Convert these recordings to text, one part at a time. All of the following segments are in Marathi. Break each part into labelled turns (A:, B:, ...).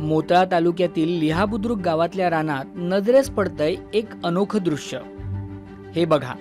A: मोताळा तालुक्यातील लिहाबुद्रुक गावातल्या रानात नजरेस पडतंय एक अनोखं दृश्य. हे बघा,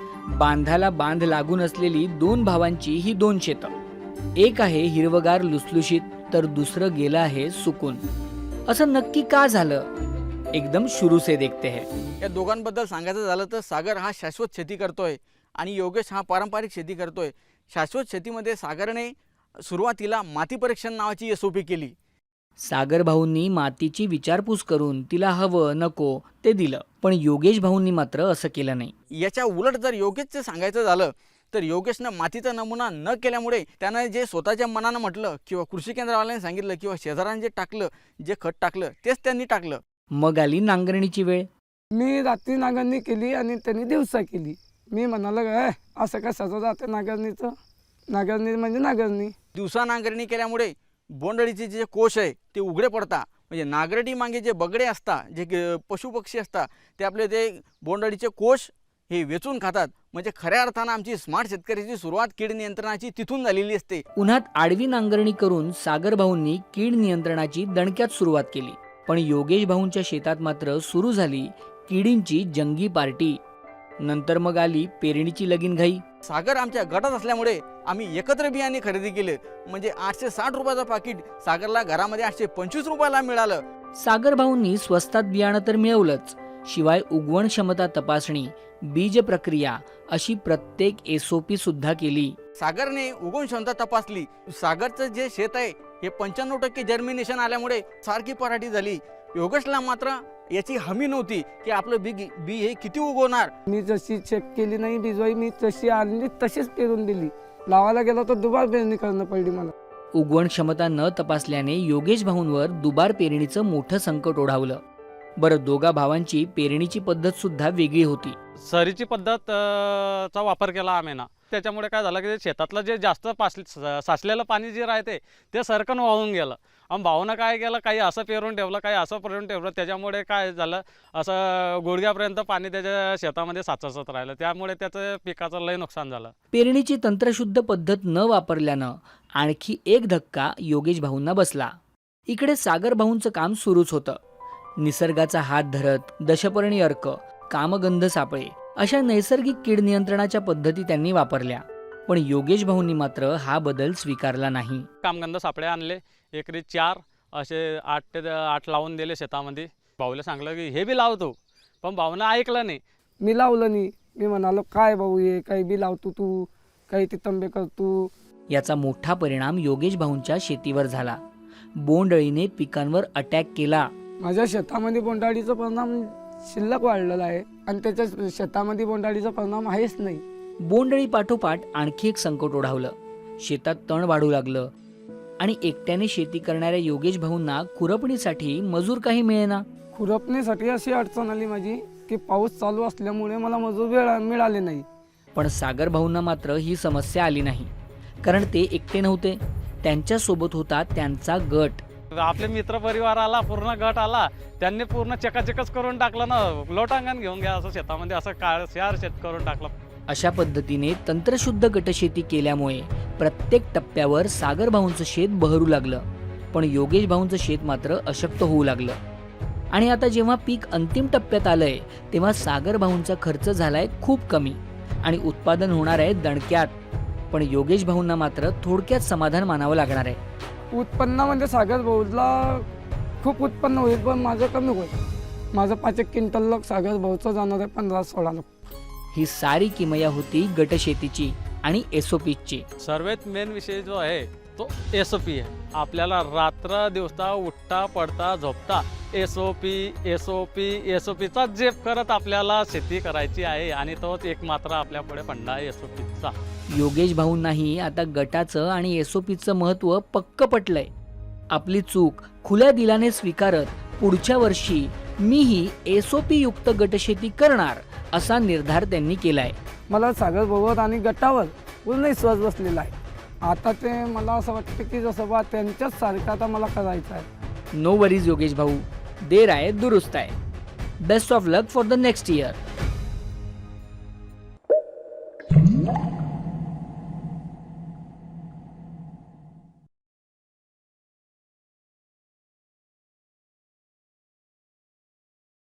A: बांधाला बांध लागून असलेली दोन भावांची ही दोन शेतं. एक आहे हिरवगार लुसलुशीत तर दुसरं गेलं आहे सुकून. असं नक्की का झालं? एकदम शुरू से देखते हैं.
B: या दोघांबद्दल सांगायचं झालं तर सागर हा शाश्वत शेती करतोय आणि योगेश हा पारंपरिक शेती करतोय. शाश्वत शेतीमध्ये सागरने सुरुवातीला माती परीक्षण नावाची SOP केली.
A: सागर भाऊंनी मातीची विचारपूस करून तिला हवं नको ते दिलं, पण योगेश भाऊंनी मात्र असं केलं नाही.
B: याच्या उलट जर योगेशचं सांगायचं झालं तर योगेशनं मातीचा नमुना न केल्यामुळे त्यानं जे स्वतःच्या मनानं म्हटलं किंवा कृषी केंद्रवाल्यांनी सांगितलं किंवा शेजाऱ्यांनी जे टाकलं, जे खत टाकलं तेच त्यांनी टाकलं.
A: मग आली नांगरणीची वेळ.
C: मी रात्री नांगरणी केली आणि त्यांनी दिवसा केली. मी म्हणालो काय असं कशाचं जाते नांगरणीचं, नांगरणी म्हणजे नांगरणी.
B: दिवसा नांगरणी केल्यामुळे बोंडअळीचे जे कोश आहे ते उघडे पडतात. म्हणजे नांगरटी मागे जे बगडे असतात, जे पशुपक्षी असतात, ते आपले ते बोंडअळीचे कोश हे वेचून खातात. म्हणजे खऱ्या अर्थानं आमची स्मार्ट शेतकऱ्याची सुरुवात कीड नियंत्रणाची तिथून झालेली असते.
A: उन्हात आडवी नांगरणी करून सागर भाऊंनी कीड नियंत्रणाची दणक्यात सुरुवात केली. पण योगेश भाऊंच्या शेतात मात्र सुरू झाली किडींची जंगी पार्टी. नंतर मग आली पेरणीची लगीनघाई.
B: सागर आमच्या गटात असल्यामुळे आम्ही एकत्र बियाणे खरेदी केले. म्हणजे 860 रुपयाचं पाकिट सागरला घरामध्ये 825 रुपयाला मिळालं.
A: सागर भाऊंनी स्वस्तात बियाणं तर मिळवलंच, शिवाय उगवण क्षमता तपासणी, बीज प्रक्रिया अशी प्रत्येक SOP सुद्धा केली.
B: सागरने उगवण क्षमता तपासली. सागरचं जे शेत आहे हे 95% जर्मिनेशन आल्यामुळे सारखी पराठी झाली. योगेशला मात्र याची हमी नव्हती की आपलं बी हे किती उगवणार.
C: मी जशी चेक केली नाही बिजवाई, मी तशी आणली तशीच पेरून दिली. लावायला गेलो तर दुबार पेरणी करणं पडली मला.
A: उगवण क्षमता न तपासल्याने योगेश भाऊंवर दुबार पेरणीचं मोठं संकट ओढावलं. बरं, दोघा भावांची पेरणीची पद्धत सुद्धा वेगळी होती.
D: सरीची पद्धत चा वापर केला आम्ही ना. त्याच्यामुळे काय झालं की शेतातलं जे जास्त साचलेलं पाणी जे राहते ते सरकन वाहून गेलं. आणि भाऊनं काय केलं, काही असं पेरून ठेवलं, काही असं पेरून ठेवलं. त्याच्यामुळे काय झालं, असं गुडघ्यापर्यंत पाणी त्याच्या शेतामध्ये साचत राहिलं. त्यामुळे त्याचं पिकाचं लय नुकसान झालं.
A: पेरणीची तंत्रशुद्ध पद्धत न वापरल्यानं आणखी एक धक्का योगेश भाऊंना बसला. इकडे सागर भाऊंचं काम सुरूच होतं. निसर्गाचा हात धरत दशपर्णी अर्क, कामगंध सापळे अशा नैसर्गिक कीड नियंत्रणाच्या पद्धती त्यांनी वापरल्या. पण योगेश भाऊंनी मात्र हा बदल स्वीकारला नाही.
D: कामगंध सापळे आणले, एकरी 4 असे 8 ते 8 लावून दिले शेतामध्ये. भाऊला सांगलं की हे बी लावतो, पण भाऊनं ऐकलं नाही.
C: मी लावलं नाही. मी म्हणालो काय भाऊ हे काही बी लावतो तू, काही ते तंबे करतो.
A: याचा मोठा परिणाम योगेश भाऊंच्या शेतीवर झाला. बोंडअळीने पिकांवर अटॅक केला.
C: माझ्या शेतामध्ये बोंडाळीचा परिणाम शिल्लक वाढलेला आहे आणि त्याच्या शेतामध्ये बोंडाळीचा परिणाम आहेच नाही.
A: बोंडअळी पाठोपाठ आणखी एक संकट ओढावलं. शेतात तण वाढू लागलं आणि एकट्याने शेती करणाऱ्या योगेश भाऊंना खुरपणीसाठी मजूर काही मिळेना.
C: खुरपणीसाठी अशी अडचण आली माझी की पाऊस चालू असल्यामुळे मला मजूर मिळाले नाही.
A: पण सागर भाऊंना मात्र ही समस्या आली नाही, कारण ते एकटे नव्हते. त्यांच्यासोबत होता त्यांचा गट.
D: आपले मित्र परिवार आला, पूर्ण गट आला. त्यांनी पूर्ण चकाचकच करून टाकलं ना. लोटांगण घेऊन घ्या असं शेतामध्ये असं शार शेत करून टाकलं.
A: अशा पद्धतीने तंत्रशुद्ध गटशेती केल्यामुळे प्रत्येक टप्प्यावर सागर भाऊंचं शेत बहरू लागलं. पण योगेश भाऊंचं शेत मात्र अशक्त होऊ लागलं. आणि आता जेव्हा पीक अंतिम टप्प्यात आलंय तेव्हा सागर भाऊंचा खर्च झालाय खूप कमी आणि उत्पादन होणार आहे दणक्यात. पण योगेश भाऊंना मात्र थोडक्यात समाधान मानावं लागणार आहे.
C: उत्पन्नामध्ये सागर भाऊला खूप उत्पन्न होईल, पण माझं कमी होईल. माझं 5 क्विंटल सागर भाऊचं जाणार आहे 15-16 लाख.
A: ही सारी किमया होती गटशेतीची आणि SOPची.
D: सर्वात मेन विषय जो आहे तो SOP आहे. आपल्याला रात्र दिवसा उठता पडता झोपता SOPचा जेप करत आपल्याला शेती करायची आहे आणि तोच एक मात्र आपल्या पुढे फंडा आहे SOPचा.
A: योगेश भाऊंनाही आता गटाचं आणि SOPचं महत्त्व पक्क पटलंय. आपली चूक खुल्या दिलाने स्वीकारत पुढच्या वर्षी मीही SOP युक्त गटशेती करणार असा निर्धार त्यांनी केलाय.
C: मला सागर भाऊवर आणि गटावर पूर्ण विश्वास बसलेला आहे. आता ते मला असं वाटतं की जसं बा त्यांच्याच सारखं आता मला करायचं आहे.
A: नो वरीज योगेश भाऊ, देर आहे दुरुस्त आहे. Best of luck for the next year.